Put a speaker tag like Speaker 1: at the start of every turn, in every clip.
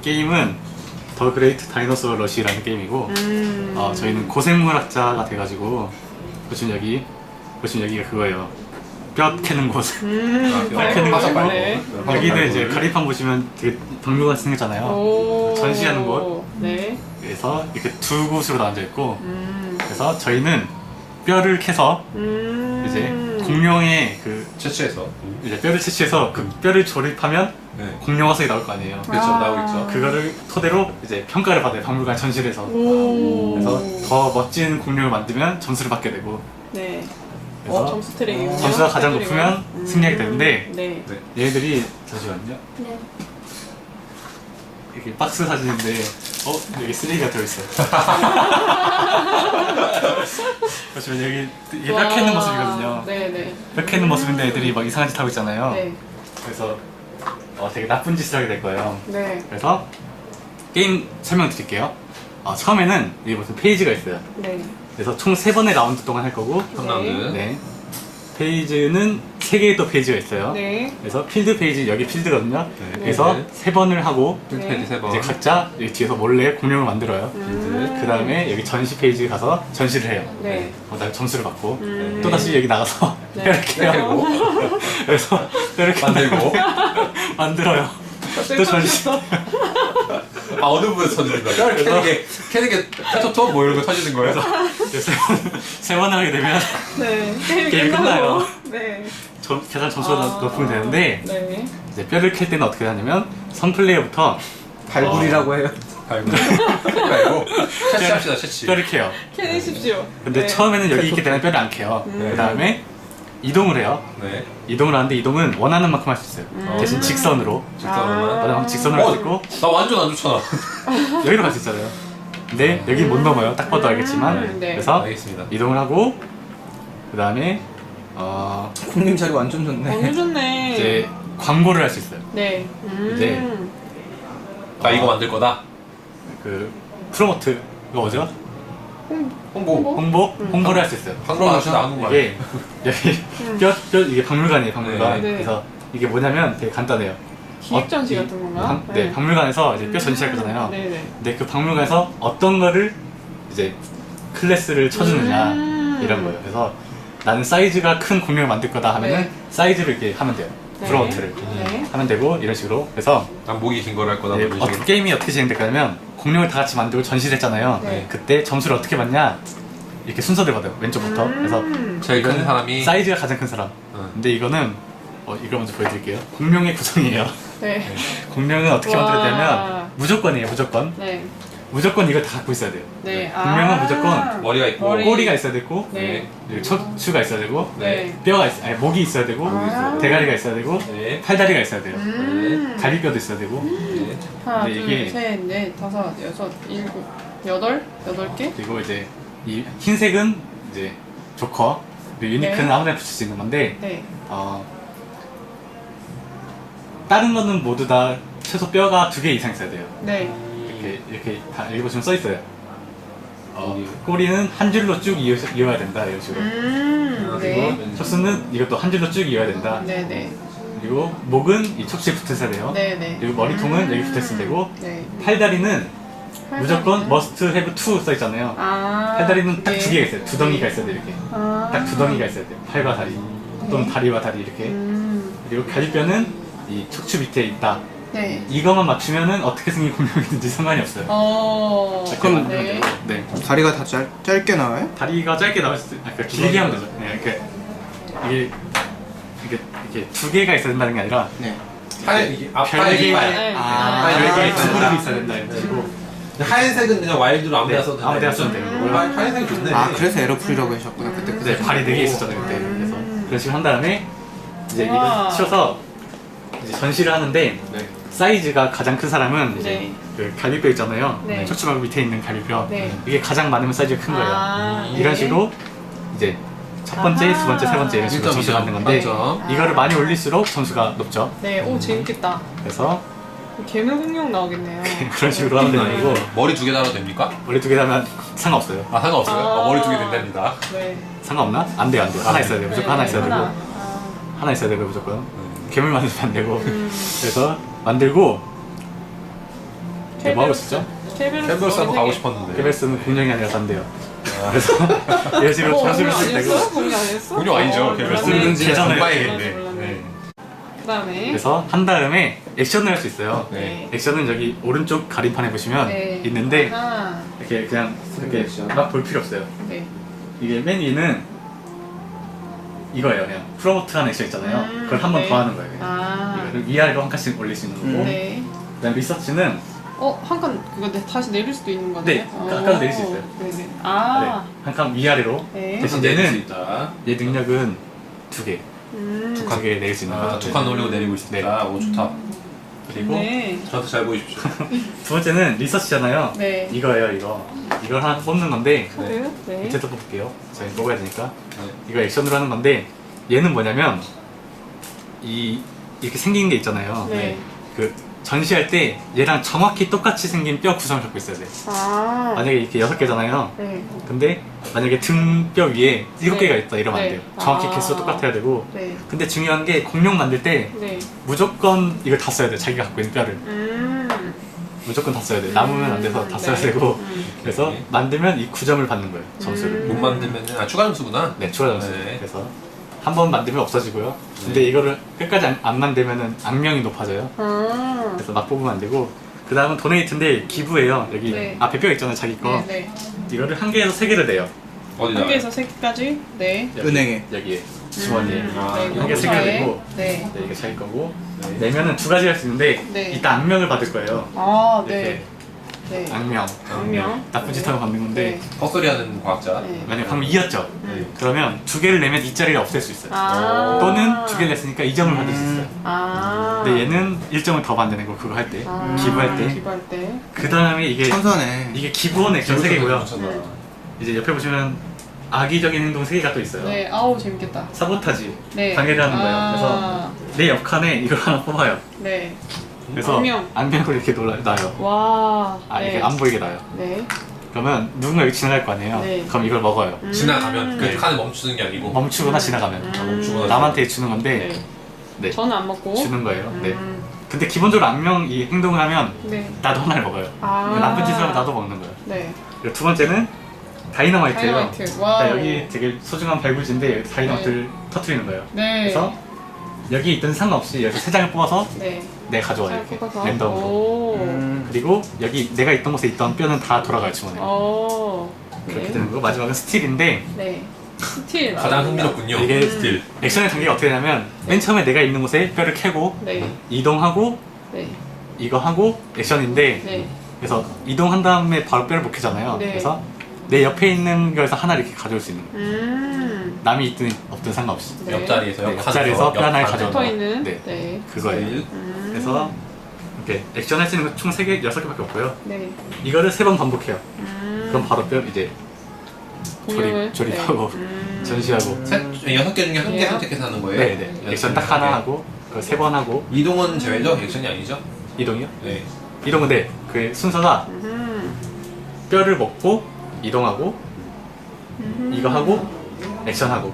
Speaker 1: 게임은 더 그레이트 다이너소어 러시라는 게임이고 저희는 고생물학자가 돼가지고 보시면 여기가 그거예요. 뼈 캐는 곳. 뼈 캐는 곳이고
Speaker 2: 네.
Speaker 1: 여기는 이제 가리판 보시면 되게 박물관 생겼잖아요. 전시하는 곳.
Speaker 2: 네.
Speaker 1: 그래서 이렇게 두 곳으로 나눠져 있고 그래서 저희는 뼈를 캐서 이제 공룡의 그
Speaker 3: 채취해서
Speaker 1: 이제 뼈를 채취해서 그 뼈를 조립하면
Speaker 3: 네.
Speaker 1: 공룡 화석이 나올 거 아니에요.
Speaker 3: 그렇죠. 나오겠죠.
Speaker 1: 그거를 토대로 이제 평가를 받아요. 박물관 전시에서. 그래서 더 멋진 공룡을 만들면 점수를 받게 되고
Speaker 2: 네.
Speaker 1: 그래서
Speaker 2: 점수 트랙이군요.
Speaker 1: 점수가 가장 높으면 승리하게 되는데
Speaker 2: 네.
Speaker 3: 네.
Speaker 1: 얘네들이 잠시만요.
Speaker 2: 네.
Speaker 1: 이렇게 박스 사진인데 여기 쓰레기가 들어있어요. 그렇지만 여기 이게 뼈 캐는 모습이거든요.
Speaker 2: 네네.
Speaker 1: 뼈 캐는 모습인데 애들이 막 이상한 짓 하고 있잖아요.
Speaker 2: 네.
Speaker 1: 그래서 되게 나쁜 짓을 하게 될 거예요.
Speaker 2: 네.
Speaker 1: 그래서 게임 설명드릴게요. 처음에는 여기 무슨 페이지가 있어요.
Speaker 2: 네.
Speaker 1: 그래서 총 3번의 라운드 동안 할 거고
Speaker 3: 턴라운드.
Speaker 1: 네. 페이지는 3개의 또 페이지가 있어요.
Speaker 2: 네.
Speaker 1: 그래서 필드 페이지, 여기 필드거든요.
Speaker 3: 네.
Speaker 1: 그래서
Speaker 3: 네.
Speaker 1: 3번을 하고
Speaker 3: 필드
Speaker 2: 네.
Speaker 3: 페이지 3번.
Speaker 1: 이제 각자 여기 뒤에서 몰래 공룡을 만들어요. 그 다음에 여기 전시 페이지에 가서 전시를 해요.
Speaker 2: 네.
Speaker 1: 그다음에 점수를 받고
Speaker 2: 음.
Speaker 1: 또다시 여기 나가서
Speaker 2: 네.
Speaker 1: 이렇게 해요. 그래서 이렇게
Speaker 3: 만들고.
Speaker 1: 만들어요. 또 전시.
Speaker 3: 어느 부분에서 터지는 거예요? 캐는 게 페토토 뭐 이런 거 터지는 거예요?
Speaker 1: 그래서 3번을 하게 되면
Speaker 2: 네.
Speaker 1: 게임이 끝나요.
Speaker 2: 네.
Speaker 1: 계산 점수가 높으면 되는데
Speaker 2: 네.
Speaker 1: 이제 뼈를 캘 때는 어떻게 하냐면 선 플레이어부터
Speaker 4: 발굴이라고 해요.
Speaker 3: 아이고. 아이고. 채취합시다, 채취.
Speaker 1: 뼈를 캐요.
Speaker 2: 캐내십시오.
Speaker 1: 근데
Speaker 2: 네.
Speaker 1: 처음에는 여기 있게 되면 뼈를 안 캐요. 그 다음에 이동을 해요.
Speaker 3: 네.
Speaker 1: 이동을 하는데 이동은 원하는 만큼 할 수 있어요. 대신 직선으로.
Speaker 3: 직선으로만.
Speaker 1: 원하는 만큼 직선으로 할 수 있고
Speaker 3: 나 완전 안 좋잖아.
Speaker 1: 여기로 갈 수 있잖아요. 근데 여기 못 넘어요. 딱 봐도 알겠지만.
Speaker 2: 네.
Speaker 1: 그래서
Speaker 3: 알겠습니다.
Speaker 1: 이동을 하고 그 다음에
Speaker 4: 공님 자리 완전 좋네.
Speaker 2: 너무 좋네.
Speaker 1: 이제 광고를 할 수 있어요.
Speaker 2: 네.
Speaker 1: 이제
Speaker 3: 나 이거 만들 거다.
Speaker 1: 그 프로모트 이거 뭐죠?
Speaker 3: 홍보.
Speaker 1: 홍보를 할 수 있어요.
Speaker 3: 방송하시 나눈 거 아니에요?
Speaker 1: 이게 여기 이게 박물관이에요. 박물관.
Speaker 2: 네.
Speaker 1: 그래서 이게 뭐냐면 되게 간단해요.
Speaker 2: 기획 전시 같은 건가?
Speaker 1: 네, 박물관에서 이제 뼈 전시할 거잖아요.
Speaker 2: 네네.
Speaker 1: 근데 그 박물관에서 어떤 거를 이제 클래스를 쳐주느냐 이런 거예요. 그래서 나는 사이즈가 큰 공룡을 만들 거다 하면은
Speaker 2: 네.
Speaker 1: 사이즈를 이렇게 하면 돼요.
Speaker 2: 네.
Speaker 1: 프로모트를
Speaker 2: 네.
Speaker 1: 하면 되고 이런 식으로. 그래서
Speaker 3: 난 목이 긴 걸 할 거다.
Speaker 1: 네,
Speaker 3: 뭐 이런 식으로.
Speaker 1: 게임이 어떻게 진행될까냐면 공룡을 다 같이 만들고 전시를 했잖아요.
Speaker 2: 네.
Speaker 1: 그때 점수를 어떻게 받냐 이렇게 순서대로 받아요. 왼쪽부터. 그래서
Speaker 3: 제일 큰
Speaker 1: 이거는
Speaker 3: 사람이
Speaker 1: 사이즈가 가장 큰 사람.
Speaker 3: 응.
Speaker 1: 근데 이거는 이걸 먼저 보여드릴게요. 공룡의 구성이에요.
Speaker 2: 네.
Speaker 1: 공룡은 어떻게
Speaker 2: 와.
Speaker 1: 만들었냐면 무조건이에요. 무조건.
Speaker 2: 네.
Speaker 1: 무조건 이걸 다 갖고 있어야 돼요.
Speaker 2: 네.
Speaker 1: 공룡은 무조건
Speaker 3: 머리가 있고
Speaker 2: 머리.
Speaker 1: 꼬리가 있어야 되고
Speaker 2: 네.
Speaker 1: 그리고 척추가 있어야 되고
Speaker 2: 네.
Speaker 1: 목이 있어야 되고 대가리가 있어야 되고
Speaker 3: 네.
Speaker 1: 팔다리가 있어야 돼요. 갈비뼈도 있어야 되고
Speaker 3: 네.
Speaker 2: 하나,
Speaker 1: 근데
Speaker 2: 둘,
Speaker 1: 이게-
Speaker 2: 셋, 넷, 다섯, 여섯, 일곱, 여덟 개?
Speaker 1: 그리고 이제 이 흰색은 이제 조커 그리고 유니크는
Speaker 2: 네.
Speaker 1: 아무데나 붙일 수 있는 건데
Speaker 2: 네.
Speaker 1: 다른 거는 모두 다 최소 뼈가 2개 이상 있어야 돼요.
Speaker 2: 네.
Speaker 1: 이렇게 다 여기 보시면 써 있어요. 꼬리는 한 줄로 쭉 이어야 된다 이런 식으로.
Speaker 2: 네.
Speaker 1: 그리고 척수는 이것도 한 줄로 쭉 이어야 된다.
Speaker 2: 네네.
Speaker 1: 그리고 목은 이 척추에 붙어 있어야 돼요.
Speaker 2: 네네.
Speaker 1: 그리고 머리통은 여기 붙어 있으면 되고
Speaker 2: 네.
Speaker 1: 팔다리는 무조건 must have two 써 있잖아요. 팔다리는 딱 2개가 있어요. 두 덩이가 있어야 돼요. 이렇게 딱 2덩이가 있어야 돼요. 팔과 다리 또는 다리와 다리 이렇게. 그리고 갈비뼈는 이 척추 밑에 있다.
Speaker 2: 네.
Speaker 1: 이거만 맞추면은 어떻게 생긴 공룡이든지 상관이 없어요.
Speaker 4: 그럼-
Speaker 2: 네.
Speaker 1: 네.
Speaker 4: 다리가 다 짧게 나와요?
Speaker 1: 다리가 짧게 나올 수도, 그러니까 길게 하면 되죠. 네, 이게 2개가 있어야 된다는 게 아니라
Speaker 4: 네.
Speaker 3: 하얀 이게 앞팔
Speaker 1: 별개
Speaker 3: 이빨.
Speaker 2: 네.
Speaker 1: 별개 두
Speaker 3: 있어야
Speaker 1: 그룹이
Speaker 3: 된다.
Speaker 1: 있어야 된다 이런 식으로.
Speaker 3: 하얀색은 그냥 와일드로 아무 데나
Speaker 1: 네,
Speaker 3: 써도 된다.
Speaker 1: 아무 데나 써도 돼요.
Speaker 3: 하얀색이 좋네.
Speaker 4: 그래서 에러풀이라고 하셨구나 그때.
Speaker 1: 네, 발이 4개 있었잖아요 그때. 그래서 그런 식으로 한 다음에 이제
Speaker 2: 우와.
Speaker 1: 이걸 치워서 이제 전시를 하는데
Speaker 3: 네.
Speaker 1: 사이즈가 가장 큰 사람은 이제
Speaker 2: 네.
Speaker 1: 그 갈비뼈 있잖아요.
Speaker 2: 네.
Speaker 1: 척추막 밑에 있는 갈비뼈.
Speaker 2: 네.
Speaker 1: 이게 가장 많으면 사이즈가 큰 거예요.
Speaker 2: 네.
Speaker 1: 이런 식으로 이제 첫 번째, 두 번째, 세 번째 이런 식으로 점수를 받는 건데
Speaker 3: 만점.
Speaker 1: 이거를 많이 올릴수록 점수가 높죠.
Speaker 2: 네. 오, 재밌겠다.
Speaker 1: 그래서
Speaker 2: 괴물 공룡 나오겠네요.
Speaker 1: 그런 식으로 하는 게 아니고
Speaker 3: 머리 2개 달아도 됩니까?
Speaker 1: 머리 2개 다면 상관없어요.
Speaker 3: 아 상관없어요? 머리 2개 된답니다.
Speaker 2: 네.
Speaker 1: 상관없나? 안 돼요, 안 돼요. 하나 있어야 돼요. 무조건 하나 있어야 되고
Speaker 2: 하나.
Speaker 1: 하나 있어야 되고 무조건 괴물 만들면 안 되고 그래서 만들고 네, 뭐 하고 있었죠?
Speaker 3: 캔버스 한번 가고 싶었는데.
Speaker 1: KBS는 공룡이 아니라 산대요. 그래서 이런 식으로 전술을 쓸 때고
Speaker 2: 공룡 아니었어?
Speaker 3: 공룡 아니죠.
Speaker 2: 어,
Speaker 3: 캔버스.
Speaker 2: 몰랐네.
Speaker 1: 대전을
Speaker 3: 공부해야겠네.
Speaker 2: 몰랐네.
Speaker 3: 네.
Speaker 2: 그다음에
Speaker 1: 그래서 한 다음에 액션을 할 수 있어요.
Speaker 3: 네.
Speaker 1: 액션은 여기 오른쪽 가림판에 보시면
Speaker 2: 네.
Speaker 1: 있는데
Speaker 2: 아하.
Speaker 1: 이렇게 그냥 이렇게 막 볼 필요 없어요.
Speaker 2: 네.
Speaker 1: 이게 맨 위는 이거예요. 그냥 프로모트하는 액션 있잖아요. 그걸 한 번
Speaker 2: 네.
Speaker 1: 더 하는 거예요. 그냥.
Speaker 2: 아.
Speaker 1: 이거를 위아래로 한 칸씩 올릴 수 있는 거고
Speaker 2: 네.
Speaker 1: 그다음 리서치는
Speaker 2: 한 칸 그거 다시 내릴 수도 있는 거네요?
Speaker 1: 네, 아까도 내릴 수 있어요.
Speaker 2: 네네. 아.
Speaker 1: 한 칸 위아래로
Speaker 2: 네.
Speaker 1: 대신
Speaker 3: 내릴 수
Speaker 1: 얘는
Speaker 3: 있다.
Speaker 1: 얘 능력은 두 개,
Speaker 2: 음.
Speaker 1: 두 개 내릴 수 있는 거죠.
Speaker 3: 두 칸 올리고 내리고 있다.
Speaker 1: 네.
Speaker 3: 오 좋다.
Speaker 1: 그리고
Speaker 2: 네.
Speaker 3: 저한테 잘 보이십시오.
Speaker 1: 두 번째는 리서치잖아요.
Speaker 2: 네.
Speaker 1: 이거예요, 이거. 이걸 하나 뽑는 건데
Speaker 2: 카드. 네.
Speaker 1: 밑에서 뽑을게요. 저희 뽑아야 되니까.
Speaker 3: 네.
Speaker 1: 이거 액션으로 하는 건데 얘는 뭐냐면 이렇게 생긴 게 있잖아요.
Speaker 2: 네.
Speaker 1: 그 전시할 때 얘랑 정확히 똑같이 생긴 뼈 구성을 갖고 있어야 돼.
Speaker 2: 아.
Speaker 1: 만약에 이렇게 6개잖아요.
Speaker 2: 네.
Speaker 1: 근데 만약에 등뼈 위에 7개가
Speaker 2: 네.
Speaker 1: 있다 이러면 안
Speaker 2: 네.
Speaker 1: 돼요. 정확히
Speaker 2: 아.
Speaker 1: 개수가 똑같아야 되고.
Speaker 2: 네.
Speaker 1: 근데 중요한 게 공룡 만들 때
Speaker 2: 네.
Speaker 1: 무조건 이걸 다 써야 돼. 자기가 갖고 있는 뼈를. 무조건 다 써야 돼. 남으면 안 돼서 다 써야
Speaker 2: 네.
Speaker 1: 되고. 그래서
Speaker 3: 네.
Speaker 1: 만들면 이 9점을 받는 거예요. 점수를.
Speaker 3: 못 만들면 추가 점수구나.
Speaker 1: 네, 추가 점수.
Speaker 3: 네.
Speaker 1: 그래서 한 번 만들면 없어지고요. 근데 이거를 끝까지 안 만들면은 악명이 높아져요.
Speaker 2: 아.
Speaker 1: 그래서 막 뽑으면 안 되고. 그 다음은 도네이트인데 기부예요. 여기
Speaker 2: 네.
Speaker 1: 앞에 뼈 있잖아요, 자기 거.
Speaker 2: 네.
Speaker 1: 이거를 한 개에서 3개를 내요.
Speaker 3: 어디다?
Speaker 2: 한 개에서 세 개까지. 네.
Speaker 1: 여기,
Speaker 4: 은행에.
Speaker 1: 여기에 주머니에.
Speaker 3: 아,
Speaker 2: 네.
Speaker 1: 한 개, 3개
Speaker 2: 공사에.
Speaker 1: 내고.
Speaker 2: 네.
Speaker 1: 네, 이게 자기 거고.
Speaker 3: 네.
Speaker 1: 내면은 두 가지 할 수 있는데
Speaker 2: 네.
Speaker 1: 이따 악명을 받을 거예요.
Speaker 2: 아,
Speaker 1: 이렇게
Speaker 2: 네. 네.
Speaker 1: 악명.
Speaker 2: 악명.
Speaker 1: 나쁜 짓 하면 받는 건데
Speaker 3: 헛소리하는 과학자.
Speaker 2: 네.
Speaker 1: 만약에 방금 2였죠?
Speaker 3: 네.
Speaker 1: 그러면 2개를 내면 2짜리를 없앨 수 있어요.
Speaker 2: 아.
Speaker 1: 또는 2개를 냈으니까 2점을 받을 수 있어요.
Speaker 2: 아.
Speaker 1: 근데 얘는 1점을 더 받는 거 그거 할 때.
Speaker 2: 아.
Speaker 1: 기부할 때.
Speaker 2: 기부할 때.
Speaker 1: 그 다음에 이게
Speaker 4: 천사네.
Speaker 1: 기부원 액션 3개고요.
Speaker 3: 괜찮아.
Speaker 1: 이제 옆에 보시면 악의적인 행동 3개가 또 있어요.
Speaker 2: 네. 아우 재밌겠다.
Speaker 1: 사보타지,
Speaker 2: 네.
Speaker 1: 방해를 하는 거예요.
Speaker 2: 아.
Speaker 1: 그래서 내 옆칸에 이걸 하나 뽑아요.
Speaker 2: 네.
Speaker 1: 그래서
Speaker 2: 악명.
Speaker 1: 악명을 이렇게 놔요.
Speaker 2: 와.
Speaker 1: 이렇게
Speaker 2: 네.
Speaker 1: 안 보이게 놔요.
Speaker 2: 네.
Speaker 1: 그러면 누군가 여기 지나갈 거 아니에요.
Speaker 2: 네.
Speaker 1: 그럼 이걸 먹어요.
Speaker 3: 지나가면
Speaker 1: 네.
Speaker 3: 그 칸을 멈추는 게 아니고
Speaker 1: 멈추거나 지나가면.
Speaker 3: 멈추거나
Speaker 1: 남한테 주는 건데
Speaker 2: 네.
Speaker 1: 네.
Speaker 2: 저는 안 먹고.
Speaker 1: 주는 거예요. 네.
Speaker 2: 음.
Speaker 1: 근데 기본적으로 악명 이 행동을 하면
Speaker 2: 네.
Speaker 1: 나도 하나를 먹어요.
Speaker 2: 아.
Speaker 1: 그 나쁜 짓을 하면 나도 먹는 거예요.
Speaker 2: 네.
Speaker 1: 그리고 두 번째는 다이너마이트예요.
Speaker 2: 다이너마이트. 와우.
Speaker 1: 그러니까 여기 되게 소중한 발굴지인데 여기 다이너마이트를 터트리는 거예요.
Speaker 2: 네.
Speaker 1: 그래서 여기 있든 상관없이 여기서 3장을 뽑아서
Speaker 2: 네.
Speaker 1: 내가 가져와요.
Speaker 2: 잘
Speaker 1: 이렇게
Speaker 2: 뽑아서.
Speaker 1: 랜덤으로.
Speaker 2: 오.
Speaker 1: 그리고 여기 내가 있던 곳에 있던 뼈는 다 돌아가요 주머니에.
Speaker 2: 오.
Speaker 1: 그렇게
Speaker 2: 네.
Speaker 1: 되는 거고 마지막은 스틸인데
Speaker 2: 네. 스틸.
Speaker 3: 가장 흥미롭군요.
Speaker 1: 이게
Speaker 3: 스틸.
Speaker 1: 액션의 단계가 어떻게 되냐면 맨 처음에 내가 있는 곳에 뼈를 캐고
Speaker 2: 네.
Speaker 1: 이동하고
Speaker 2: 네.
Speaker 1: 이거 하고 액션인데
Speaker 2: 네.
Speaker 1: 그래서 이동한 다음에 바로 뼈를 못 캐잖아요.
Speaker 2: 네.
Speaker 1: 그래서 내 옆에 있는 거에서 하나 이렇게 가져올 수 있는 거예요. 남이 있든 없든 상관없이.
Speaker 2: 네.
Speaker 3: 옆자리에서
Speaker 1: 네, 옆자리에서 뼈 하나를 가져오는
Speaker 2: 붙어
Speaker 1: 거.
Speaker 2: 있는.
Speaker 1: 네.
Speaker 2: 네.
Speaker 1: 그거예요.
Speaker 3: 스틸.
Speaker 1: 그래서 이렇게 액션 할 수 있는 거 총 3개, 6개밖에 없고요.
Speaker 2: 네.
Speaker 1: 이거를 3번 반복해요. 그럼 바로 뼈 이제
Speaker 2: 공룡을.
Speaker 1: 조립하고
Speaker 2: 네.
Speaker 1: 전시하고.
Speaker 3: 6개 중에 한 개
Speaker 2: 네.
Speaker 3: 선택해서 하는 거예요?
Speaker 1: 네네. 액션 딱 하나 하고 그걸 3번 하고
Speaker 3: 이동은 제외죠? 액션이 아니죠?
Speaker 1: 이동이요?
Speaker 3: 네.
Speaker 1: 이동은 네. 그 순서가 뼈를 먹고 이동하고 이거 하고 액션하고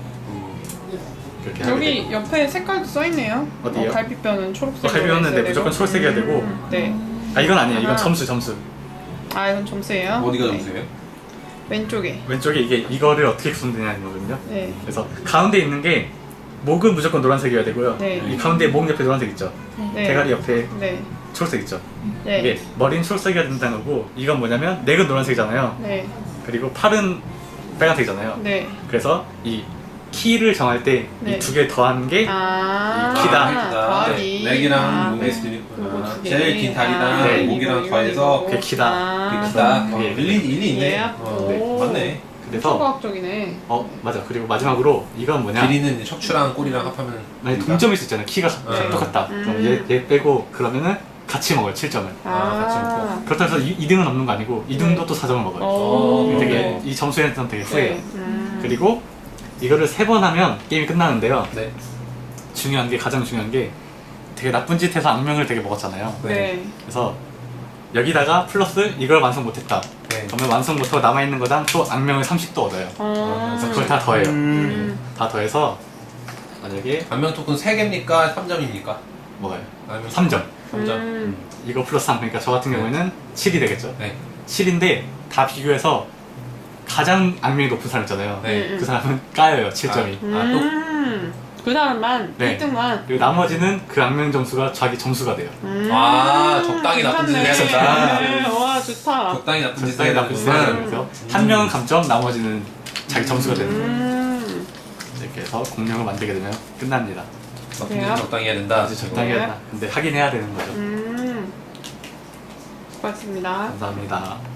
Speaker 1: 그렇게 하게 돼요.
Speaker 2: 여기 옆에 색깔도 써있네요.
Speaker 1: 어디요?
Speaker 2: 갈비뼈는 초록색.
Speaker 1: 갈비뼈는 네, 무조건 초록색이어야 되고
Speaker 2: 네.
Speaker 1: 이건 아니에요. 이건
Speaker 2: 아.
Speaker 1: 점수.
Speaker 2: 아 이건 점수예요.
Speaker 3: 어디가
Speaker 2: 네.
Speaker 3: 점수예요?
Speaker 2: 왼쪽에.
Speaker 1: 왼쪽에 이거를 어떻게 구성되냐는 거거든요.
Speaker 2: 네.
Speaker 1: 그래서 가운데 있는 게 목은 무조건 노란색이어야 되고요.
Speaker 2: 네.
Speaker 1: 이 가운데 목 옆에 노란색 있죠.
Speaker 2: 네.
Speaker 1: 대가리 옆에
Speaker 2: 네.
Speaker 1: 초록색 있죠.
Speaker 2: 네.
Speaker 1: 이게 머리는 초록색이어야 된다는 거고 이건 뭐냐면 넥은 노란색이잖아요.
Speaker 2: 네.
Speaker 1: 그리고 팔은 빨간색이잖아요.
Speaker 2: 네.
Speaker 1: 그래서 이 키를 정할 때 이
Speaker 2: 네.
Speaker 1: 두 개 더한 게
Speaker 2: 아.
Speaker 1: 키다.
Speaker 2: 더하기.
Speaker 3: leg이랑 목의
Speaker 2: 네.
Speaker 3: 스피릿구나.
Speaker 2: 요거 두 개.
Speaker 3: 제일 긴 다리랑
Speaker 1: 네.
Speaker 3: 목이랑
Speaker 2: 이거,
Speaker 3: 더해서
Speaker 2: 이거.
Speaker 1: 그게 키다.
Speaker 2: 아.
Speaker 3: 그게 크다.
Speaker 1: 그게
Speaker 3: 일리 있네.
Speaker 2: 예.
Speaker 1: 네.
Speaker 2: 오.
Speaker 3: 맞네.
Speaker 1: 그래서
Speaker 2: 초과학적이네.
Speaker 1: 맞아. 그리고 마지막으로 이건 뭐냐?
Speaker 3: 길이는 이제 척추랑 꼬리랑 합하면
Speaker 1: 만약 동점일 수 있잖아요. 키가
Speaker 3: 네.
Speaker 1: 똑같다. 그럼 얘 빼고 그러면은 같이 먹어요. 7점을.
Speaker 3: 같이 먹고.
Speaker 1: 그렇다고 해서 2등은 없는 거 아니고 2등도
Speaker 2: 네.
Speaker 1: 또 4점을 먹어요.
Speaker 2: 오.
Speaker 1: 되게 이 점수에는 되게 후해요.
Speaker 2: 네.
Speaker 1: 그리고 이거를 3번 하면 게임이 끝나는데요.
Speaker 3: 네.
Speaker 1: 중요한 게 가장 중요한 게 되게 나쁜 짓 해서 악명을 되게 먹었잖아요.
Speaker 2: 네.
Speaker 1: 그래서 여기다가 플러스 이걸 완성 못했다.
Speaker 3: 네.
Speaker 1: 그러면 완성 못하고 남아있는 거당 또 악명을 30도 얻어요. 그래서 그걸 다 더해요. 다 더해서 만약에
Speaker 3: 반면 토큰 3개입니까? 3점입니까?
Speaker 1: 뭐가요?
Speaker 3: 아니면
Speaker 1: 3점.
Speaker 3: 3점.
Speaker 1: 이거 플러스 3, 그러니까 저 같은 경우에는 7이 되겠죠.
Speaker 3: 네.
Speaker 1: 7인데 다 비교해서 가장 악명이 높은 사람 있잖아요.
Speaker 3: 네.
Speaker 1: 그 사람은 까여요, 7점이.
Speaker 2: 그 사람만
Speaker 1: 네.
Speaker 2: 1등만.
Speaker 1: 그리고 나머지는 그 악명 점수가 자기 점수가 돼요.
Speaker 3: 적당히 나쁜 짓을 해야 된다.
Speaker 2: 네. 와 좋다.
Speaker 3: 적당히 나쁜 짓을
Speaker 1: 적당히
Speaker 3: 해야
Speaker 1: 나쁜 짓을 해야
Speaker 3: 되는구만.
Speaker 1: 되면서 한 명은 감점, 나머지는 자기 점수가 되는 거예요.
Speaker 2: 음.
Speaker 1: 이렇게 해서 공룡을 만들게 되면 끝납니다.
Speaker 3: 나쁜
Speaker 2: 그래요?
Speaker 3: 짓은 적당히 해야 된다.
Speaker 1: 아주 적당히 해야 된다. 근데 하긴 해야 되는 거죠.
Speaker 2: 수고하셨습니다.
Speaker 1: 감사합니다.